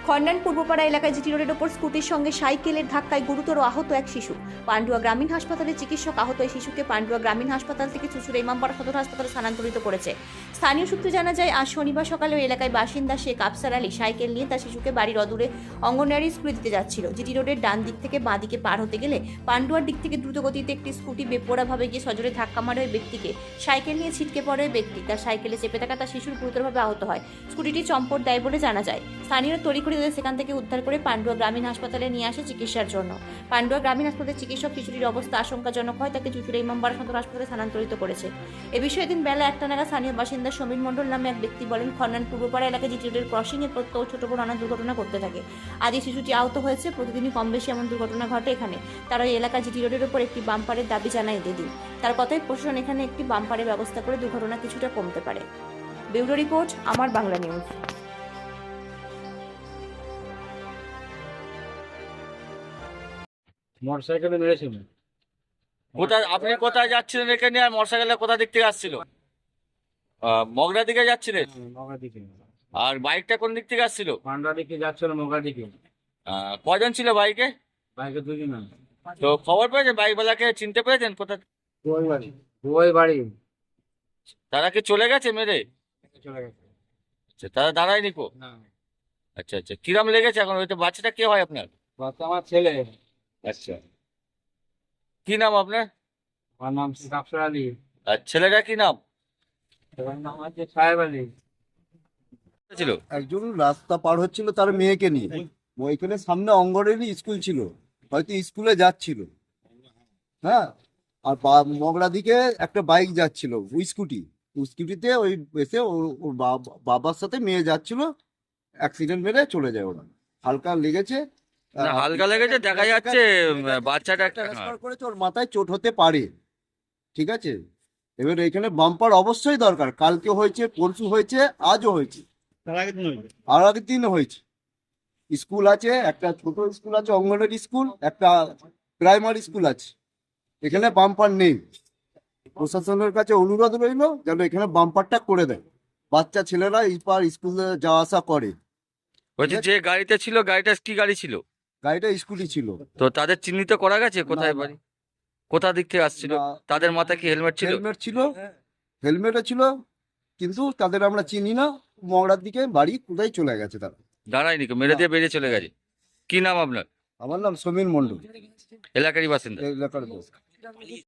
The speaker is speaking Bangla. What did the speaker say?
খন্ডান পূর্বপাড়া এলাকায় জিটি রোডের ওপর স্কুটির সঙ্গে সাইকেলের ধাক্কায় গুরুতর আহত এক শিশু। পান্ডুয়া গ্রামীণ হাসপাতালে চিকিৎসক আহত এই শিশুকে পান্ডুয়া গ্রামীণ হাসপাতাল থেকে চুঁচুড়া ইমামবাড়া সদর হাসপাতালে স্থানান্তরিত করেছে। স্থানীয় সূত্রে জানা যায়, আজ শনিবার সকালে ওই এলাকায় বাসিন্দা শেখ আফসার আলী সাইকেল নিয়ে তার শিশুকে বাড়ির অদূরে অঙ্গনওয়াড়ি স্কুলে দিতে যাচ্ছিল। জিটি রোডের ডান দিক থেকে বাঁ দিকে পার হতে গেলে পান্ডুয়ার দিক থেকে দ্রুত গতিতে একটি স্কুটি বেপরোয়াভাবে গিয়ে সজোরে ধাক্কা মারে ওই ব্যক্তিকে। সাইকেল নিয়ে ছিটকে পড়ে ওই ব্যক্তি। তার সাইকেলে চেপে থাকা তার শিশুর গুরুতরভাবে আহত হয়। স্কুটিটি চম্পট দেয় বলে জানা যায়। স্থানীয় তড়িঘড়ি তাদের সেখান থেকে উদ্ধার করে পান্ডুয়া গ্রামীণ হাসপাতালে নিয়ে আসে চিকিৎসার জন্য। পান্ডুয়া গ্রামীণ হাসপাতালের চিকিৎসক শিশুটির অবস্থা আশঙ্কাজনক হয় তাকে চুঁচুড়া ইমামবাড়া সদর হাসপাতালে স্থানান্তরিত করেছে। এ বিষয়ে দিন বেলা 1টা নাগাদ স্থানীয় বাসিন্দা সমীর মণ্ডল নামে এক ব্যক্তি বলেন, খন্ডান পূর্বপাড়া এলাকায় জিটি রোডের ক্রসিং এ প্রত্যহ ছোট বড় নানা দুর্ঘটনা ঘটতে থাকে। আজ এই শিশুটি আহত হয়েছে। প্রতিদিনই কম বেশি এমন দুর্ঘটনা ঘটে এখানে। তারা ওই এলাকা জিটি রোডের উপর একটি বাম্পারের দাবি জানায় দিদি। তার কথায় প্রশাসন এখানে একটি বাম্পারের ব্যবস্থা করে দুর্ঘটনা কিছুটা কমতে পারে। ব্যুরো রিপোর্ট, আমার বাংলা নিউজ। মোটরসাইকেলে মেরেছিল। কোথায় আপনি কোথায় যাচ্ছিলেন এখানে, আর মোটরসাইকেলটা কোথা দিক থেকে আসছিল? মগরা দিকে যাচ্ছিলেন? মগা দিকে, আর বাইকটা কোন দিক থেকে আসছিল? পান্ডা দিকে যাচ্ছিল, মগা দিকে। কজন ছিল বাইকে? বাইকে দুজন। তো খবর পেয়েছেন, বাইকওয়ালাকে চিনতে পেরেছেন কোথা? ওই বাড়ি তারা কি চলে গেছে মেরে? চলে গেছে। আচ্ছা, তারা দাঁড়ায়নি কো? না, আচ্ছা আচ্ছা, কিরম লেগেছে এখন? ওই তো বাচ্চাটা কে হয় আপনার? বাচ্চা আমার ছেলে। আচ্ছা, কি নাম আপনার? আমার নাম শেখ আফসার আলী। আর ছেলেটা কি নাম ওর নাম হচ্ছে সাহেব আলী। ছিল? একজন রাস্তা পার হচ্ছিল তার মেয়েকে নিয়ে। ওইখানে সামনে অঙ্গনেরই স্কুল ছিল, হয়তো স্কুলে যাচ্ছিল। হ্যাঁ, আর মগরা দিকে একটা বাইক যাচ্ছিল, ওই স্কুটিতে ওই এসে ওর বাবার সাথে মেয়ে যাচ্ছিল, অ্যাক্সিডেন্ট মেরে চলে যায় ওরা। হালকা লেগেছে। না, হালকা লেগেছে, দেখা যাচ্ছে বাচ্চাটা একটা ট্রান্সফার করেছে, ওর মাথায় চোট হতে পারে। ঠিক আছে, এবার এখানে বাম্পার অবশ্যই দরকার। কালকে হয়েছে, পরশু হয়েছে, আজও হয়েছে, আর আগের দিন হয়েছে। স্কুল আছে, একটা ছোট স্কুল আছে, অঙ্গনওয়াড়ি স্কুল, একটা প্রাইমারি স্কুল আছে। এখানে বাম্পার নেই। প্রশাসনের কাছে অনুরোধ রইল যেন এখানে বাম্পারটা করে দেয়। বাচ্চা ছেলেরা এইবার স্কুলে যাওয়া আসা করে। বলছি, যে গাড়িতে ছিল, গাড়িটা কি গাড়ি ছিল? গাড়িটা স্কুটি ছিল। তো তাদের চিহ্নিত করা গেছে কোথায় না, বাড়ি, কোথা দিক থেকে আসছিল? না। তাদের মাথায় কি হেলমেট ছিল? হেলমেট ছিল, হেলমেটও ছিল, কিন্তু তাদের আমরা চিনি না। মগরার দিকে বাড়ি কোথায় চলে গেছে তারা। দাঁড়ায়নি কো, মেরে দিয়ে বেরিয়ে চলে গেছে। কি নাম আপনার? আমার নাম সমীর মণ্ডল, এলাকারই বাসিন্দা? এলাকার বস।